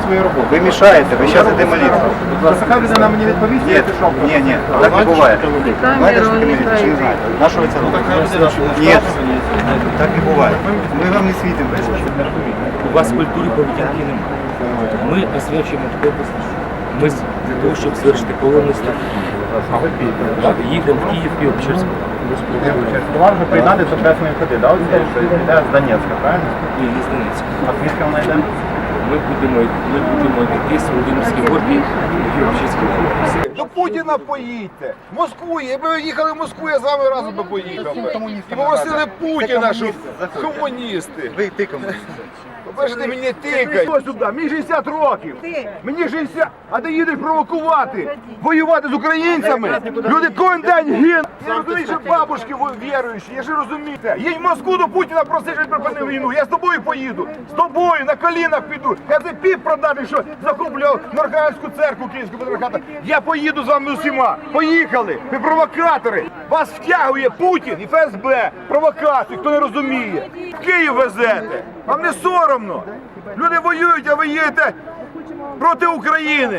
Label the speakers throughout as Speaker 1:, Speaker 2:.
Speaker 1: свою роботу.
Speaker 2: Ви мішаєте, ви зараз йде молитва.
Speaker 1: Така людина мені відповість, я пішов.
Speaker 2: Ні, так не буває. Знаєте, що таке міліція, чи не знаєте? На що ви це робите? Ні, так не буває. Ми вам не світимо.
Speaker 3: У вас культури поведінки немає. Ми освячуємо область. Ми для того, щоб звершити повністю. Їдемо в Київ, Києво-Печерську.
Speaker 1: Була вже приєднати до Хресної ходи, да? Оце, що йде з Донецька, правильно?
Speaker 3: Ні, не з Донецька.
Speaker 1: А звідки вона йде?
Speaker 3: Ми будемо йти з Володимирської горки в Києво-Печерській області.
Speaker 4: До Путіна поїдьте. В Москву. Якби ви їхали в Москву, я з вами разом би поїхав. І попросили Путіна, щоб комуністи.
Speaker 2: Ви ти комуніст.
Speaker 4: Побачите, мені тикають. Ось сюди, мені 60 років. Мені 60, а ти їдеш провокувати, воювати з українцями. Люди кожен день гинуть. Я розумію, що бабушки віруючі, я ж розумієте. Їдь в Москву до Путіна, проси, щоб припинив війну. Я з тобою поїду. З тобою на колінах піду. Я цей піп продати, що захоплював Норханську церкву Київського патріархату. Я поїду з вами усіма. Поїхали. Ви провокатори. Вас втягує Путін і ФСБ. Провокацію, хто не розуміє. В Київ везете. Вам не соромно. Люди воюють, а ви їдете проти України.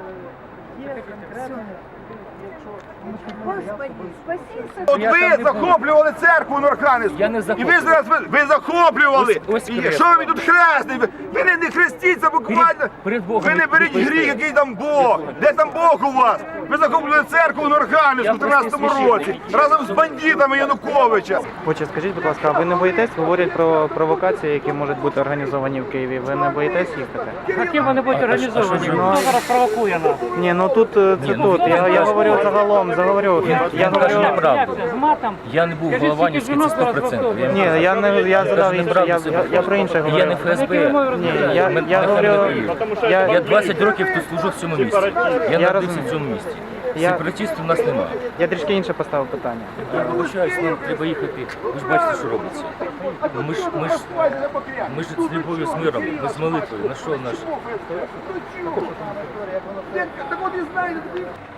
Speaker 5: Господи, спаси
Speaker 4: От ви захоплювали церкву Норханівську.
Speaker 3: Я не
Speaker 4: І
Speaker 3: захоплював.
Speaker 4: ви зараз ви захоплювали.
Speaker 3: Ось
Speaker 4: І
Speaker 3: хрест.
Speaker 4: що ви тут хресний? Ви не хрестіться буквально.
Speaker 3: Перед Богом
Speaker 4: Ви не беріть
Speaker 3: ви
Speaker 4: гріх, який там Бог. Де там Бог у вас? Ви захоплювали церкву Норханівську в 13-му році. Разом з бандитами Януковича.
Speaker 6: Хоче, скажіть, будь ласка, а ви не боїтесь? Говорять про провокації, які можуть бути організовані в Києві. Ви не боїтесь їхати?
Speaker 7: Які вони будуть організовані? Хто зараз провокує нас?
Speaker 6: Ні, ну тут це тут. Я говорю загалом, Я
Speaker 3: кажу
Speaker 6: говорю.
Speaker 3: неправду.
Speaker 7: З матом?
Speaker 3: Я не був в Голованівській, це 100%.
Speaker 6: Ні, я задав інше, я про інше
Speaker 3: Я
Speaker 6: говорю.
Speaker 3: не ФСБ.
Speaker 6: Ні, я говорю,
Speaker 3: Я 20 років тут служу в цьому місті. Я народився
Speaker 6: розумію.
Speaker 3: в цьому місті.
Speaker 6: Я-
Speaker 3: Сепаратистів у нас немає.
Speaker 6: я трішки інше поставив питання.
Speaker 3: Я вибачаюсь, нам треба їхати. Ви ж бачите, що робиться. Ми ж з любов'ю, з миром, ми з молитвою. На що наш?
Speaker 4: Так от і знаєте,